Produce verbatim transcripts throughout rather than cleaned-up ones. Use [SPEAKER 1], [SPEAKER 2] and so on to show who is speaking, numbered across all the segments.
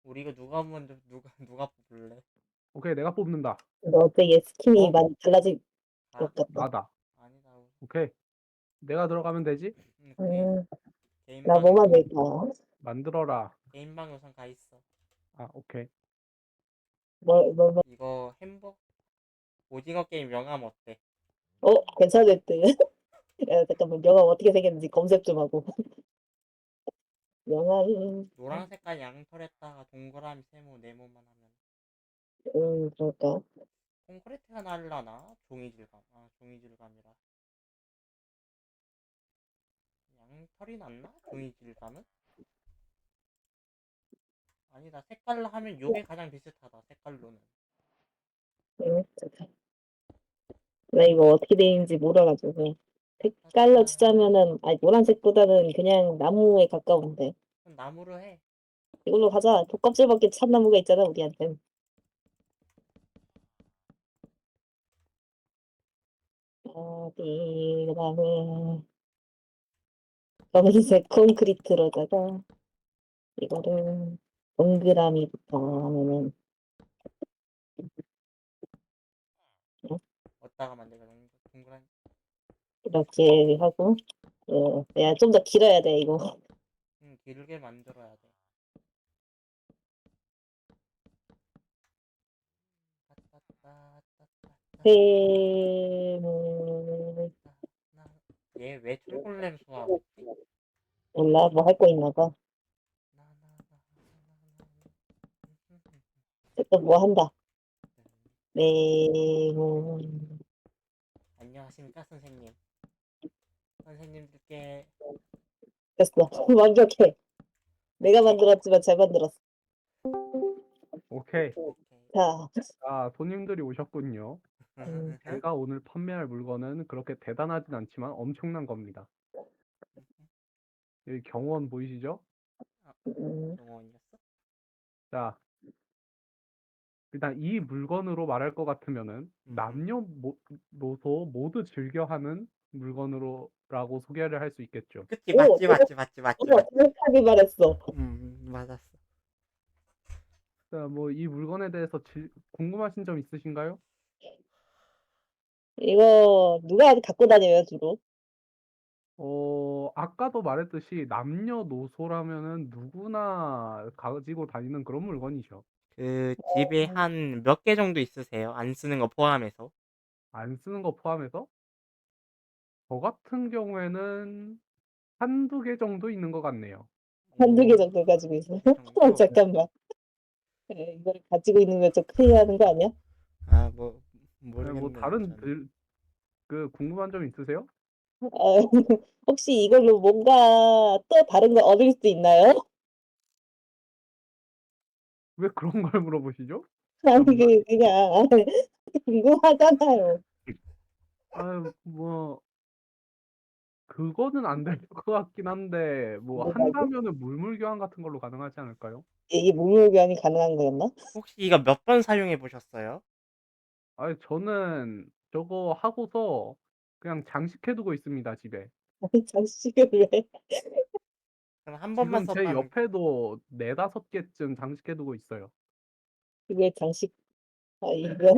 [SPEAKER 1] 우리 이거 누가 먼저 누가 누가 뽑을래?
[SPEAKER 2] 오케이, 내가 뽑는다.
[SPEAKER 3] 너 되게 스킨이
[SPEAKER 2] 어?
[SPEAKER 3] 많이 달라질
[SPEAKER 1] 아
[SPEAKER 3] 것 같다.
[SPEAKER 2] 나다.
[SPEAKER 1] 아니다.
[SPEAKER 2] 오케이. 내가 들어가면 되지?
[SPEAKER 1] 음, 오케이.
[SPEAKER 3] 음, 나
[SPEAKER 1] 개인방
[SPEAKER 3] 뭐
[SPEAKER 1] 우선
[SPEAKER 3] 만들까?
[SPEAKER 2] 만들어라.
[SPEAKER 1] 개인방 우선 가 있어.
[SPEAKER 2] 아, 오케이.
[SPEAKER 3] 뭐, 뭐, 뭐.
[SPEAKER 1] 이거 햄버거 오징어 게임 명함 어때?
[SPEAKER 3] 어, 괜찮을 듯. 야, 잠깐만, 영화 어떻게 생겼는지 검색 좀 하고. 영화는,
[SPEAKER 1] 노란 색깔 양털에다가 동그라미 세모 네모만 하면
[SPEAKER 3] 음, 그럴까?
[SPEAKER 1] 콘크리트가 날라나? 종이 질감. 아 종이 질감이라. 양털이 낫나? 종이 질감은? 아니다. 색깔로 하면 요게 가장 비슷하다. 색깔로는.
[SPEAKER 3] 음, 잠깐. 나 이거 어떻게 되는지 몰라가지고. 색깔로
[SPEAKER 1] 따따따.
[SPEAKER 3] 치자면은, 아니, 노란색보다는 그냥 나무에 가까운데.
[SPEAKER 1] 그럼 나무로 해.
[SPEAKER 3] 이걸로 가자. 독껍질밖에 참나무가 있잖아, 우리한텐. 어디, 그 다음에, 검은색 콘크리트로다가, 이거를 동그라미부터 하면은, 어?
[SPEAKER 1] 어디다가 만들까? 동그란.
[SPEAKER 3] 이렇게 하고, 어, 야, 좀 더 길어야 돼, 이거.
[SPEAKER 1] 음, 길게 만들어야 돼.
[SPEAKER 3] 세모,
[SPEAKER 1] 얘왜 철골렘 수화없지?
[SPEAKER 3] 몰라, 뭐 할 거 있나 봐. 또 뭐 한다. 네모,
[SPEAKER 1] 안녕하십니까 선생님. 선생님들께
[SPEAKER 3] 됐어. 완벽해. 내가 만들었지만 잘 만들었어.
[SPEAKER 2] 오케이.
[SPEAKER 1] 오케이.
[SPEAKER 3] 자,
[SPEAKER 2] 아, 손님들이 오셨군요.
[SPEAKER 3] 음,
[SPEAKER 2] 제가 오늘 판매할 물건은 그렇게 대단하진 않지만 엄청난 겁니다. 여기 경호원 보이시죠?
[SPEAKER 1] 아,
[SPEAKER 3] 음,
[SPEAKER 1] 영원이었어?
[SPEAKER 2] 자, 일단 이 물건으로 말할 것 같으면은 남녀노소 모두 즐겨하는 물건으로라고 소개를 할 수 있겠죠.
[SPEAKER 1] 그치
[SPEAKER 3] 오,
[SPEAKER 1] 맞지 맞지 맞지 맞지
[SPEAKER 3] 오,
[SPEAKER 1] 맞지.
[SPEAKER 3] 정확하게 말했어.
[SPEAKER 1] 음 맞았어.
[SPEAKER 2] 자, 뭐 이 물건에 대해서 질- 궁금하신 점 있으신가요?
[SPEAKER 3] 이거 누가 갖고 다녀요, 주로?
[SPEAKER 2] 어, 아까도 말했듯이 남녀노소라면은 누구나 가지고 다니는 그런 물건이죠.
[SPEAKER 1] 그 집에 한 몇 개 정도 있으세요? 안 쓰는 거 포함해서?
[SPEAKER 2] 안 쓰는 거 포함해서 저 같은 경우에는 한두 개 정도 있는 것 같네요.
[SPEAKER 3] 한두 개
[SPEAKER 1] 오,
[SPEAKER 3] 정도 가지고 있어요.
[SPEAKER 1] 그 정도?
[SPEAKER 3] 잠깐만. 에, 이걸 가지고 있는 거 좀 큰일 나는 거 아니야?
[SPEAKER 1] 아 뭐
[SPEAKER 2] 네, 뭐
[SPEAKER 1] 모르겠네요
[SPEAKER 2] 다른
[SPEAKER 1] 저는.
[SPEAKER 2] 들, 그 궁금한 점 있으세요?
[SPEAKER 3] 아, 혹시 이걸로 뭔가 또 다른 거 얻을 수 있나요?
[SPEAKER 2] 왜 그런 걸 물어보시죠?
[SPEAKER 3] 아니,
[SPEAKER 2] 잠만.
[SPEAKER 3] 그, 그냥, 궁금하잖아요.
[SPEAKER 2] 아유, 뭐 그거는 안 될 것 같긴 한데 뭐
[SPEAKER 3] 뭐라고?
[SPEAKER 2] 한다면은 물물 교환 같은 걸로 가능하지 않을까요?
[SPEAKER 3] 이게 목욕이 가능한 거였나?
[SPEAKER 1] 혹시 이거 몇 번 사용해 보셨어요?
[SPEAKER 2] 아니, 저는 저거 하고서 그냥 장식해 두고 있습니다, 집에.
[SPEAKER 3] 아니, 장식을 왜?
[SPEAKER 1] 그럼 한 번만
[SPEAKER 2] 지금 제
[SPEAKER 1] 썼다는 거.
[SPEAKER 2] 옆에도 네다섯 개쯤 장식해 두고 있어요.
[SPEAKER 3] 그게 장식, 아, 이거?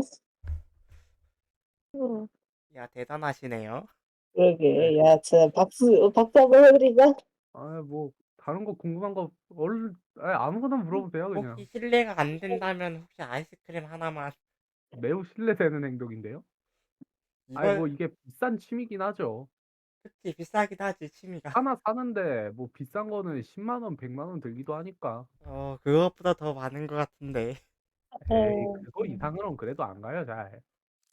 [SPEAKER 3] 어,
[SPEAKER 1] 야 대단하시네요.
[SPEAKER 2] 네.
[SPEAKER 3] 그러게. 야, 진짜 박수, 박수 한번 해드리자.
[SPEAKER 2] 아, 뭐 다른 거 궁금한 거 얼 아, 아무거나 물어보세요,
[SPEAKER 1] 혹시
[SPEAKER 2] 그냥.
[SPEAKER 1] 실례가 안 된다면 혹시 아이스크림 하나만.
[SPEAKER 2] 매우 신뢰되는 행동인데요. 아니, 뭐
[SPEAKER 1] 이거
[SPEAKER 2] 이게 비싼 취미긴 하죠.
[SPEAKER 1] 그치 비싸긴 하지 취미가.
[SPEAKER 2] 하나 사는데 뭐 비싼 거는 십만 원, 백만 원 들기도 하니까.
[SPEAKER 1] 어 그것보다 더 많은 것 같은데.
[SPEAKER 2] 에이,
[SPEAKER 3] 어,
[SPEAKER 2] 그거 이상으로는 그래도 안 가요, 잘.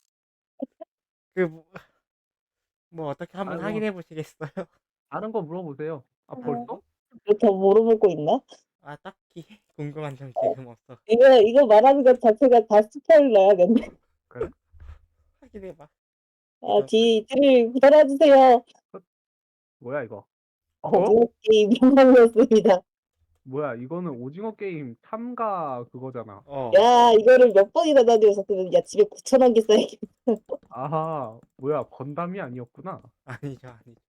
[SPEAKER 1] 그 뭐 뭐 어떻게 한번
[SPEAKER 2] 아이, 뭐
[SPEAKER 1] 확인해 보시겠어요?
[SPEAKER 2] 다른 거 물어보세요. 아, 벌써?
[SPEAKER 3] 더 물어보고 있나?
[SPEAKER 1] 아 딱히 궁금한 점 지금 없어.
[SPEAKER 3] 이거, 이거 말하는 것 자체가 다 스포일러야겠네.
[SPEAKER 2] 그래?
[SPEAKER 1] 확인해 봐.
[SPEAKER 3] 아,
[SPEAKER 1] 이거
[SPEAKER 3] 뒤, 뒤를 돌아주세요.
[SPEAKER 2] 어, 뭐야 이거? 어?
[SPEAKER 3] 오징어 게임 영광이었습니다.
[SPEAKER 2] 뭐야, 이거는 오징어 게임 참가 그거잖아.
[SPEAKER 1] 어
[SPEAKER 3] 야, 이거를 몇 번이나 다녀왔었으면, 야, 집에 구천 원 개 써야겠다.
[SPEAKER 2] 아하, 뭐야, 건담이 아니었구나.
[SPEAKER 1] 아니죠 아니죠.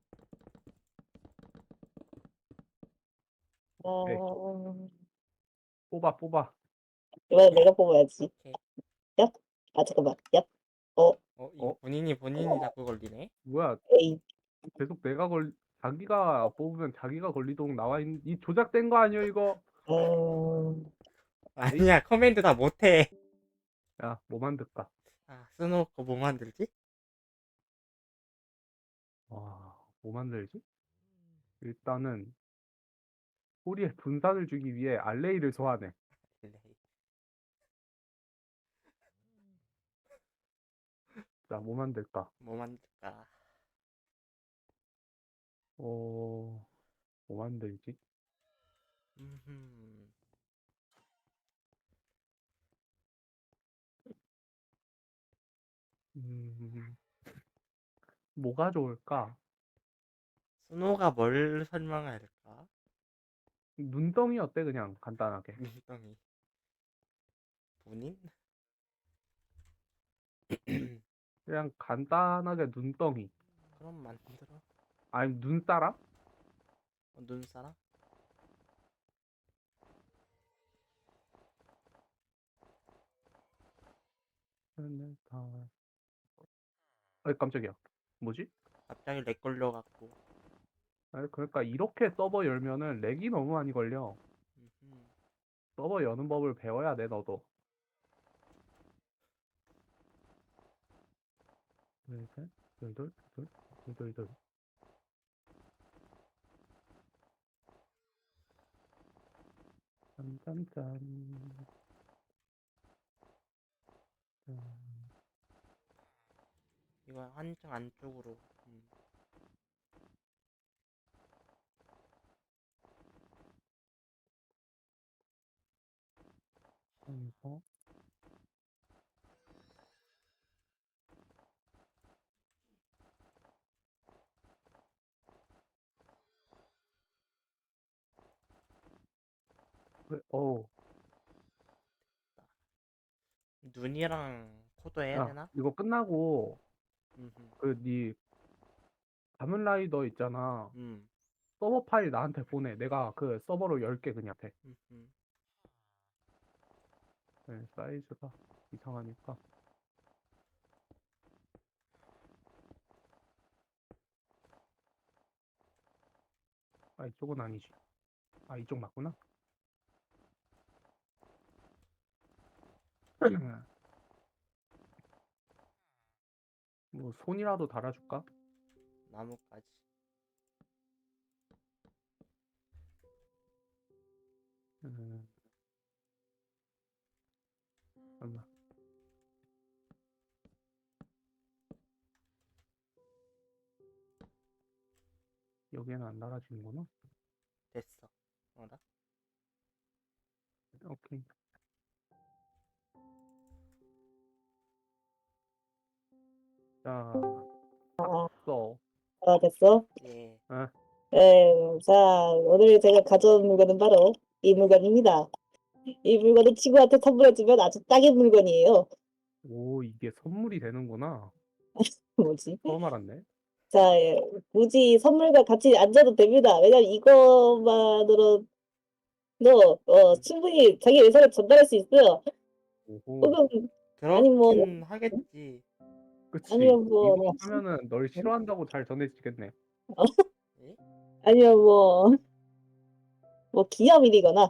[SPEAKER 2] 네.
[SPEAKER 3] 어,
[SPEAKER 2] 뽑아 뽑아.
[SPEAKER 3] 이번엔 내가 뽑아야지.
[SPEAKER 1] 오케이.
[SPEAKER 3] 얍. 아 잠깐만. 얍. 어.
[SPEAKER 1] 어 이거
[SPEAKER 2] 어?
[SPEAKER 1] 본인이 본인이 자꾸 걸리네.
[SPEAKER 2] 뭐야?
[SPEAKER 3] 에이.
[SPEAKER 2] 계속 내가 걸 자기가 뽑으면 자기가 걸리도록 나와 있는 이 조작된 거 아니야 이거?
[SPEAKER 3] 음.
[SPEAKER 1] 아니야 커맨드 다 못해.
[SPEAKER 2] 야, 뭐 만들까?
[SPEAKER 1] 아 스노우 거 뭐 만들지?
[SPEAKER 2] 와, 뭐 만들지? 일단은 꼬리에 분산을 주기 위해 알레이를 소환해. 자, 뭐 만들까?
[SPEAKER 1] 뭐 만들까?
[SPEAKER 2] 어, 뭐 만들지?
[SPEAKER 1] 음흠.
[SPEAKER 2] 음, 뭐가 좋을까?
[SPEAKER 1] 스노우가 뭘 설명할까?
[SPEAKER 2] 눈덩이 어때? 그냥 간단하게.
[SPEAKER 1] 눈덩이. 본인?
[SPEAKER 2] 그냥 간단하게 눈덩이.
[SPEAKER 1] 그럼 만들어.
[SPEAKER 2] 아니, 눈사람?
[SPEAKER 1] 어, 눈사람?
[SPEAKER 2] 아이, 깜짝이야. 뭐지?
[SPEAKER 1] 갑자기 렉 걸려갖고.
[SPEAKER 2] 아니, 그러니까 이렇게 서버 열면은 렉이 너무 많이 걸려.
[SPEAKER 1] 음흠.
[SPEAKER 2] 서버 여는 법을 배워야 돼, 너도. 둘, 셋, 둘, 둘, 둘, 둘, 둘, 둘. 짠짠짠. 짠.
[SPEAKER 1] 이거 한층 안쪽으로. 음.
[SPEAKER 2] 이거. 그래, 어우.
[SPEAKER 1] 눈이랑 코도 해야
[SPEAKER 2] 야,
[SPEAKER 1] 되나?
[SPEAKER 2] 이거 끝나고
[SPEAKER 1] 음흠.
[SPEAKER 2] 그 네 가면라이더 있잖아.
[SPEAKER 1] 음.
[SPEAKER 2] 서버 파일 나한테 보내. 내가 그 서버로 열게 그냥 돼.
[SPEAKER 1] 음흠.
[SPEAKER 2] 네, 사이즈가 이상하니까. 아, 이쪽은 아니지. 아, 이쪽 맞구나. 뭐 손이라도 달아줄까?
[SPEAKER 1] 나무까지.
[SPEAKER 2] 음, 잠깐만. 여기에는 안 달아지는구나.
[SPEAKER 1] 됐어. 어라?
[SPEAKER 2] 오케이. 자,
[SPEAKER 3] 아,
[SPEAKER 2] 써.
[SPEAKER 3] 아 됐어?
[SPEAKER 1] 예.
[SPEAKER 2] 아,
[SPEAKER 3] 네. 자 오늘 제가 가져온 물건은 바로 이 물건입니다. 이 물건은 친구한테 선물해주면 아주 딱인 물건이에요.
[SPEAKER 2] 오, 이게 선물이 되는구나.
[SPEAKER 3] 뭐지?
[SPEAKER 2] 처음 알았네.
[SPEAKER 3] 자, 예. 굳이 선물과 같이 안 줘도 됩니다. 왜냐면 이것만으로도 어, 충분히 자기 의사를 전달할 수 있어요.
[SPEAKER 2] 오호.
[SPEAKER 3] 혹은 아니 뭐
[SPEAKER 1] 그렇긴 하겠지.
[SPEAKER 2] 그치.
[SPEAKER 3] 아니면 뭐
[SPEAKER 2] 이거 하면은 널 싫어한다고 잘 전해지겠네.
[SPEAKER 1] 예?
[SPEAKER 3] 아니면 뭐 뭐 기념일이거나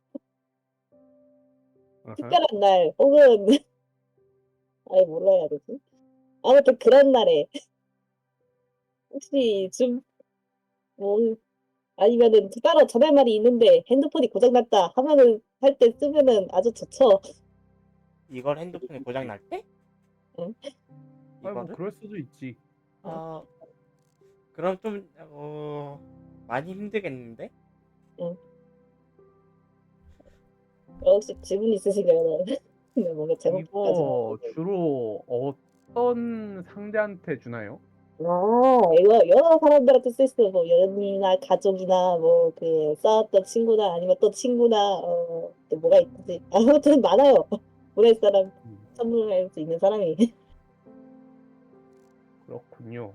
[SPEAKER 2] 어허.
[SPEAKER 3] 특별한 날 혹은 아니 뭐라 해야 되지? 아무튼 그런 날에 혹시 좀 뭐 아니면은 따로 전할 말이 있는데 핸드폰이 고장났다 하면은 할 때 쓰면은 아주 좋죠.
[SPEAKER 1] 이걸 핸드폰이 고장 날 때?
[SPEAKER 3] 응?
[SPEAKER 2] 아니 뭐
[SPEAKER 1] 이거를?
[SPEAKER 2] 그럴 수도 있지.
[SPEAKER 3] 어?
[SPEAKER 1] 어 그럼 좀 어 많이 힘들겠는데?
[SPEAKER 3] 응. 혹시 질문 있으신가요? 네, 뭔가 제목까지.
[SPEAKER 2] 이거 주로 어떤 상대한테 주나요?
[SPEAKER 3] 아, 이거 여러 사람들한테 쓸 수 있어요. 뭐 연인이나 가족이나 뭐 그 싸웠던 친구나 아니면 또 친구나 어, 또 뭐가 있지? 아무튼 많아요. 보낼 사람
[SPEAKER 2] 음,
[SPEAKER 3] 선물할 수 있는 사람이.
[SPEAKER 2] 그렇군요.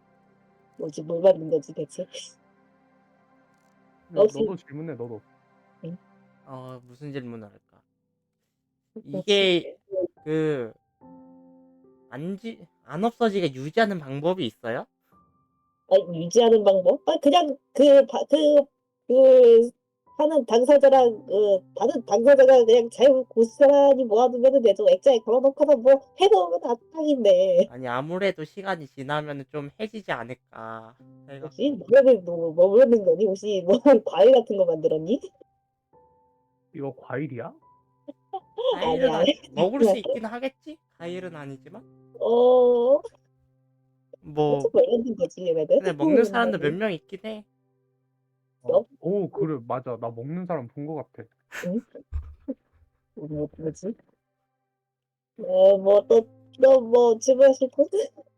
[SPEAKER 3] 뭐지 뭘 받는 거지 대체?
[SPEAKER 2] 야,
[SPEAKER 3] 혹시
[SPEAKER 2] 너도 질문해, 너도.
[SPEAKER 3] 응?
[SPEAKER 1] 어, 무슨 질문을 할까?
[SPEAKER 3] 그렇지.
[SPEAKER 1] 이게 그 안지 안 없어지게 유지하는 방법이 있어요?
[SPEAKER 3] 아, 유지하는 방법? 아, 그냥 그, 바, 그, 그, 하는 당사자랑, 그, 받은 당사자가 그냥 잘 고스란히 모아두면 되죠. 액자에 걸어놓고서 뭐 해놓으면 다 딱인데.
[SPEAKER 1] 아니 아무래도 시간이 지나면은 좀 해지지 않을까
[SPEAKER 3] 뭐지?
[SPEAKER 1] 해갖고.
[SPEAKER 3] 뭐를, 뭐, 뭐 모르는 거니? 혹시 뭐, 과일 같은 거 만들었니?
[SPEAKER 2] 이거 과일이야?
[SPEAKER 1] 과일은
[SPEAKER 3] 아니야.
[SPEAKER 1] 아, 먹을 수 있긴 하겠지? 과일은 아니지만
[SPEAKER 3] 어,
[SPEAKER 1] 뭐
[SPEAKER 3] 어떻게 만드는 거지, 얘네들?
[SPEAKER 1] 근데 먹는 사람도 몇 명 있긴 해.
[SPEAKER 2] 어, 오, 그래, 맞아. 나 먹는 사람 본 것 같아.
[SPEAKER 3] 응? 뭐, 뭐지? 어, 뭐, 또, 또, 뭐, 질문하실 거?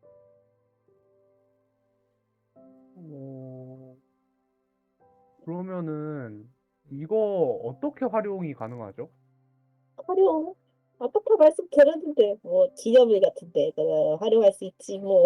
[SPEAKER 2] 어, 그러면은 이거 어떻게 활용이 가능하죠?
[SPEAKER 3] 활용, 아까 말씀드렸는데, 뭐, 기념일 같은데, 그, 활용할 수 있지, 뭐.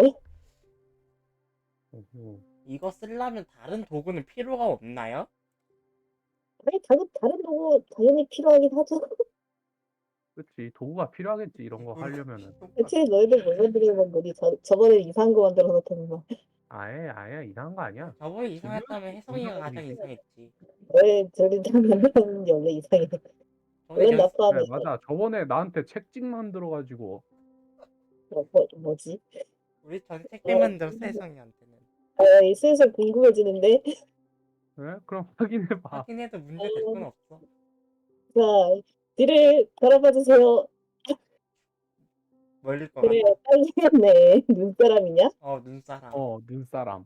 [SPEAKER 2] 어,
[SPEAKER 1] 이거 쓰려면 다른 도구는 필요가 없나요?
[SPEAKER 3] 아니, 다른, 다른 도구 당연히 필요하긴 하죠.
[SPEAKER 2] 그치. 도구가 필요하겠지, 이런 거
[SPEAKER 1] 도구가
[SPEAKER 2] 하려면은.
[SPEAKER 1] 필요가
[SPEAKER 3] 대체 너희들 뭘 만들려는 거니? 저, 저번에 이상한 거 만들어 놓더니만.
[SPEAKER 2] 아예, 아예 이상한 거 아니야.
[SPEAKER 1] 저번에
[SPEAKER 2] 재미없,
[SPEAKER 1] 이상했다면 혜성이가 가장
[SPEAKER 2] 재미없는
[SPEAKER 1] 이상했지.
[SPEAKER 3] 왜 저리 만들었는지 원래 이상해.
[SPEAKER 1] 저번에
[SPEAKER 3] 왜
[SPEAKER 1] 연
[SPEAKER 3] 나
[SPEAKER 2] 네,
[SPEAKER 3] 포함해서.
[SPEAKER 2] 맞아. 저번에 나한테 책찍 만들어가지고,
[SPEAKER 3] 뭐, 뭐, 뭐지?
[SPEAKER 1] 우리 전에 택배
[SPEAKER 3] 어,
[SPEAKER 1] 만들었어 혜성이한테는.
[SPEAKER 3] 어, 슬슬 궁금해지는데?
[SPEAKER 2] 네? 그럼 확인해봐.
[SPEAKER 1] 확인해도 문제 될 건
[SPEAKER 3] 어,
[SPEAKER 1] 없어.
[SPEAKER 3] 자, 뒤를 돌아봐 주세요.
[SPEAKER 1] 멀릴 것
[SPEAKER 3] 그래,
[SPEAKER 1] 같아.
[SPEAKER 3] 딱이겠네. 눈사람이냐?
[SPEAKER 1] 어 눈사람.
[SPEAKER 2] 어, 눈사람.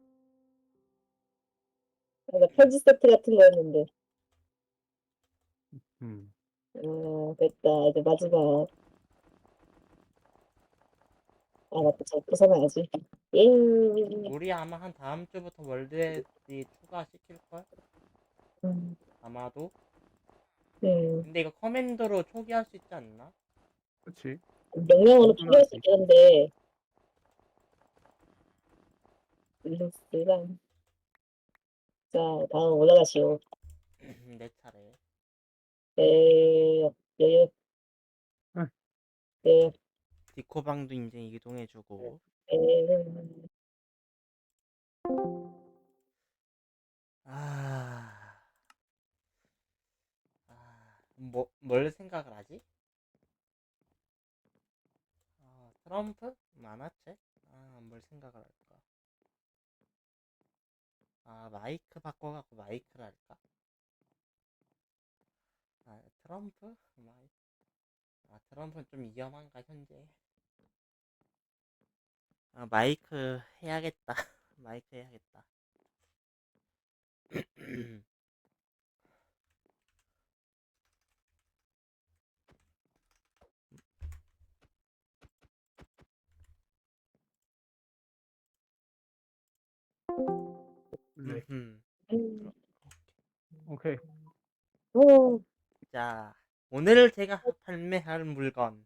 [SPEAKER 3] 아, 나 편지 세트 같은 거였는데.
[SPEAKER 2] 음.
[SPEAKER 3] 어, 됐다. 이제 마지막. 아, 맞다. 저 부숴놔야지. 예.
[SPEAKER 1] 우리 아마 한 다음 주부터 월드에디 추가시킬걸?
[SPEAKER 3] 음,
[SPEAKER 1] 아마도.
[SPEAKER 3] 음.
[SPEAKER 1] 근데 이거 커맨드로 초기할 수 있지 않나?
[SPEAKER 2] 그치.
[SPEAKER 3] 명령어는 포기할 수
[SPEAKER 2] 단순하지.
[SPEAKER 3] 있겠는데, 일루스랑. 자, 다음 올라가시오.
[SPEAKER 1] 내 차례.
[SPEAKER 3] 에, 에,
[SPEAKER 2] 응.
[SPEAKER 3] 에,
[SPEAKER 1] 디코방도 이제 이동해주고.
[SPEAKER 3] 에,
[SPEAKER 1] 아, 아, 뭐, 뭘 생각을 하지? 아, 트럼프? 만화책? 아, 뭘 생각을 할까? 아, 마이크 바꿔갖고 마이크를 할까? 아, 트럼프? 마이... 아, 트럼프는 좀 위험한가, 현재? 아, 마이크 해야겠다. 마이크 해야겠다.
[SPEAKER 2] 네.
[SPEAKER 1] 음흠.
[SPEAKER 3] 음,
[SPEAKER 2] 오케이.
[SPEAKER 3] 어,
[SPEAKER 1] 자, 오늘 제가 판매할 물건.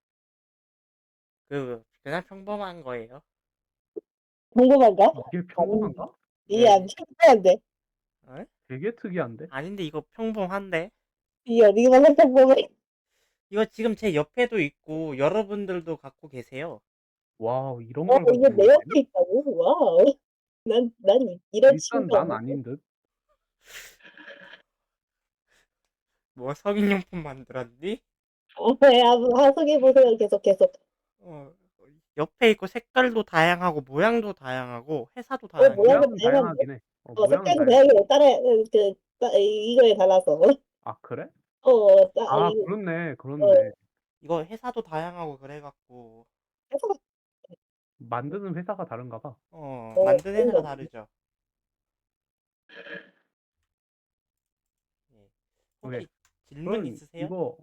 [SPEAKER 1] 그, 그냥 평범한 거예요.
[SPEAKER 3] 궁금한가?
[SPEAKER 2] 이게
[SPEAKER 3] 아니,
[SPEAKER 2] 평범한가?
[SPEAKER 3] 이게 안
[SPEAKER 1] 네.
[SPEAKER 3] 평범한데?
[SPEAKER 1] 어?
[SPEAKER 2] 되게 특이한데?
[SPEAKER 1] 아닌데, 이거 평범한데?
[SPEAKER 3] 이게 어디만 평범해?
[SPEAKER 1] 이거 지금 제 옆에도 있고, 여러분들도 갖고 계세요.
[SPEAKER 2] 와우, 이런
[SPEAKER 3] 어,
[SPEAKER 2] 걸
[SPEAKER 3] 이게
[SPEAKER 2] 가지고
[SPEAKER 3] 내
[SPEAKER 2] 있네?
[SPEAKER 3] 옆에 있다고? 와우. 난, 난 이런
[SPEAKER 2] 일단
[SPEAKER 3] 친구가
[SPEAKER 2] 난
[SPEAKER 3] 없는데?
[SPEAKER 2] 아닌 듯?
[SPEAKER 1] 뭐, 성인용품 만들었니?
[SPEAKER 3] 어, 야, 아, 소개해보세요. 계속, 계속.
[SPEAKER 1] 어, 옆에 있고, 색깔도 다양하고, 모양도 다양하고, 회사도
[SPEAKER 3] 어,
[SPEAKER 1] 다양해요.
[SPEAKER 3] 모양은
[SPEAKER 2] 모양은
[SPEAKER 3] 다양한데?
[SPEAKER 2] 다양하긴 해. 어,
[SPEAKER 3] 어,
[SPEAKER 2] 모양은
[SPEAKER 3] 색깔도
[SPEAKER 2] 다양해.
[SPEAKER 3] 다양해. 따라, 그, 따, 이거에 달라서.
[SPEAKER 2] 아, 그래?
[SPEAKER 3] 어, 따,
[SPEAKER 2] 아,
[SPEAKER 3] 이,
[SPEAKER 2] 그렇네.
[SPEAKER 3] 어,
[SPEAKER 2] 그렇네.
[SPEAKER 1] 이거 회사도 다양하고, 그래갖고,
[SPEAKER 3] 해서,
[SPEAKER 2] 만드는 회사가 다른가 봐.
[SPEAKER 1] 어,
[SPEAKER 3] 어,
[SPEAKER 1] 만드는
[SPEAKER 3] 그런
[SPEAKER 1] 회사가
[SPEAKER 3] 거.
[SPEAKER 1] 다르죠. 예.
[SPEAKER 2] 오케이.
[SPEAKER 1] 혹시 질문
[SPEAKER 2] 그럼
[SPEAKER 1] 있으세요?
[SPEAKER 2] 이거,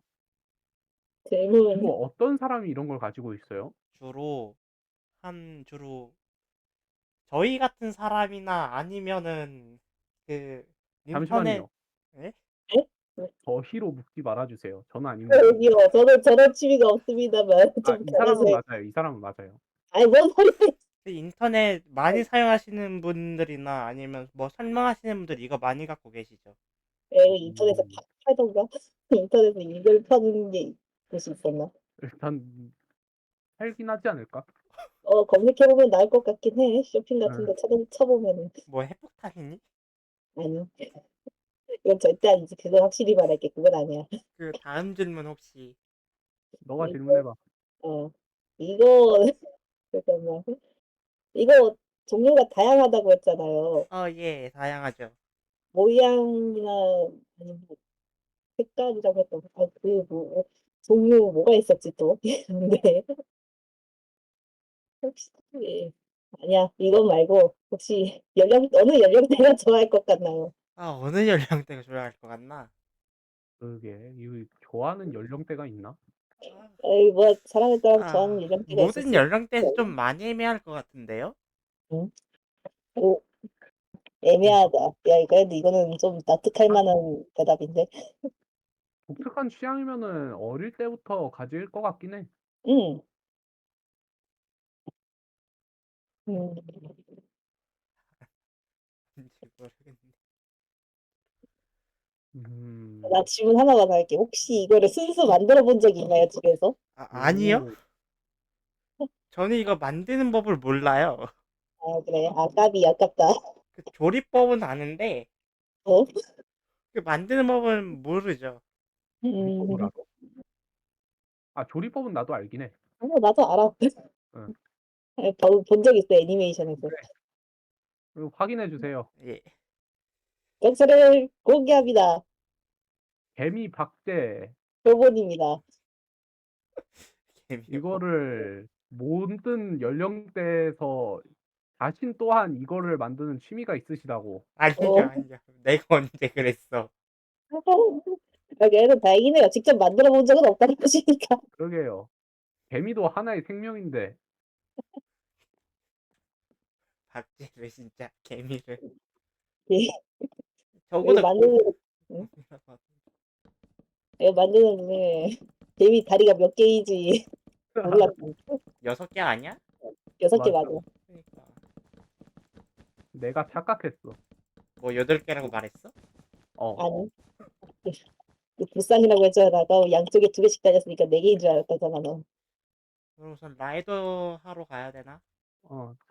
[SPEAKER 2] 이거
[SPEAKER 3] 질문.
[SPEAKER 2] 어떤 사람이 이런 걸 가지고 있어요?
[SPEAKER 1] 주로, 한, 주로, 저희 같은 사람이나 아니면은, 그, 인터넷,
[SPEAKER 2] 잠시만요.
[SPEAKER 1] 예?
[SPEAKER 3] 네? 네.
[SPEAKER 2] 저희로 묻지 말아주세요. 저는 아닙니다.
[SPEAKER 3] 여기요. 저는 저런 취미가 없습니다만,
[SPEAKER 2] 아,
[SPEAKER 3] 좀
[SPEAKER 2] 이
[SPEAKER 3] 가려서.
[SPEAKER 2] 사람은 맞아요. 이 사람은 맞아요.
[SPEAKER 3] 아니, 뭔 소리야.
[SPEAKER 1] 그 인터넷 많이 사용하시는 분들이나 아니면 뭐 설명하시는 분들 이거 많이 갖고 계시죠?
[SPEAKER 3] 에 인터넷에
[SPEAKER 2] 음.
[SPEAKER 3] 파 팔던가? 인터넷에 이걸 파는 게 곳이 있었나?
[SPEAKER 2] 일단 팔긴 하지 않을까?
[SPEAKER 3] 어 검색해 보면 나올 것 같긴 해. 쇼핑 같은
[SPEAKER 2] 예.
[SPEAKER 3] 데 찾아 쳐보면은.
[SPEAKER 1] 뭐 핵폭탄이니?
[SPEAKER 3] 아니. 이건 절대 아니지. 그건 확실히 말할게. 그건 아니야.
[SPEAKER 1] 그 다음 질문 혹시
[SPEAKER 2] 너가 질문해
[SPEAKER 3] 이거
[SPEAKER 2] 봐.
[SPEAKER 3] 어 이거 잠깐만. 이거 종류가 다양하다고 했잖아요.
[SPEAKER 1] 어, 예, 다양하죠.
[SPEAKER 3] 모양이나 아니면 뭐 색깔이라고 했던 아 그 뭐 종류 뭐가 있었지 또? 근데 혹시 예. 아니야. 이거 말고 혹시 연령 어느 연령대가 좋아할 것 같나요?
[SPEAKER 1] 아, 어느 연령대가 좋아할 것 같나?
[SPEAKER 2] 그러게. 이거 좋아하는 연령대가 있나?
[SPEAKER 1] 아,
[SPEAKER 3] 에이 뭐 사람에 따라 좋아하는
[SPEAKER 1] 아,
[SPEAKER 3] 연령대가 있을
[SPEAKER 1] 모든
[SPEAKER 3] 수
[SPEAKER 1] 연령대에서 좀
[SPEAKER 3] 있고.
[SPEAKER 1] 많이 애매할 것 같은데요?
[SPEAKER 3] 응? 오 애매하다. 야 그래도 이거는 좀 납득할
[SPEAKER 2] 하긴
[SPEAKER 3] 만한 대답인데.
[SPEAKER 2] 독특한 취향이면은 어릴 때부터 가질 것 같긴 해.
[SPEAKER 3] 응. 음.
[SPEAKER 1] 뭔지 모르겠네.
[SPEAKER 2] 음.
[SPEAKER 3] 나 질문 하나만 할게. 혹시 이거를 순수 만들어 본 적이 있나요, 집에서?
[SPEAKER 1] 아, 아니요?
[SPEAKER 2] 오.
[SPEAKER 1] 저는 이거 만드는 법을 몰라요.
[SPEAKER 3] 아 그래. 아 까비 아깝다.
[SPEAKER 1] 그 조리법은 아는데
[SPEAKER 3] 어?
[SPEAKER 1] 그 만드는 법은 모르죠.
[SPEAKER 2] 조리법을
[SPEAKER 3] 음.
[SPEAKER 2] 알아? 아 조리법은 나도 알긴 해.
[SPEAKER 3] 어 나도 알아.
[SPEAKER 2] 응.
[SPEAKER 3] 본 적 있어 애니메이션에서.
[SPEAKER 2] 그래. 그리고 확인해 주세요.
[SPEAKER 1] 예.
[SPEAKER 3] 건설을 공개합니다.
[SPEAKER 2] 개미 박제
[SPEAKER 3] 교본입니다.
[SPEAKER 1] 개미호.
[SPEAKER 2] 이거를 모든 연령대에서 자신 또한 이거를 만드는 취미가 있으시다고.
[SPEAKER 1] 아니죠,
[SPEAKER 3] 어.
[SPEAKER 1] 아니죠. 내가 언제 그랬어.
[SPEAKER 3] 아, 그래도 다행이네요. 직접 만들어 본 적은 없다는 것이니까.
[SPEAKER 2] 그러게요. 개미도 하나의 생명인데
[SPEAKER 1] 박제를 진짜 개미를.
[SPEAKER 3] 예. 이거
[SPEAKER 1] 적어도
[SPEAKER 3] 만드는 응? 이거 만드는 중에 개미 다리가 몇 개인지 몰랐어.
[SPEAKER 1] 여섯 개 아니야?
[SPEAKER 3] 여섯 개
[SPEAKER 2] 맞아.
[SPEAKER 3] 맞아.
[SPEAKER 1] 그러니까
[SPEAKER 2] 내가 착각했어.
[SPEAKER 1] 뭐 여덟 개라고 말했어?
[SPEAKER 2] 어.
[SPEAKER 3] 아니. 그 불쌍이라고 했잖아. 나 양쪽에 두 개씩 다녔으니까 네 개인 줄 알았다잖아, 너.
[SPEAKER 1] 그럼 우선 라이더 하러 가야 되나?
[SPEAKER 2] 어.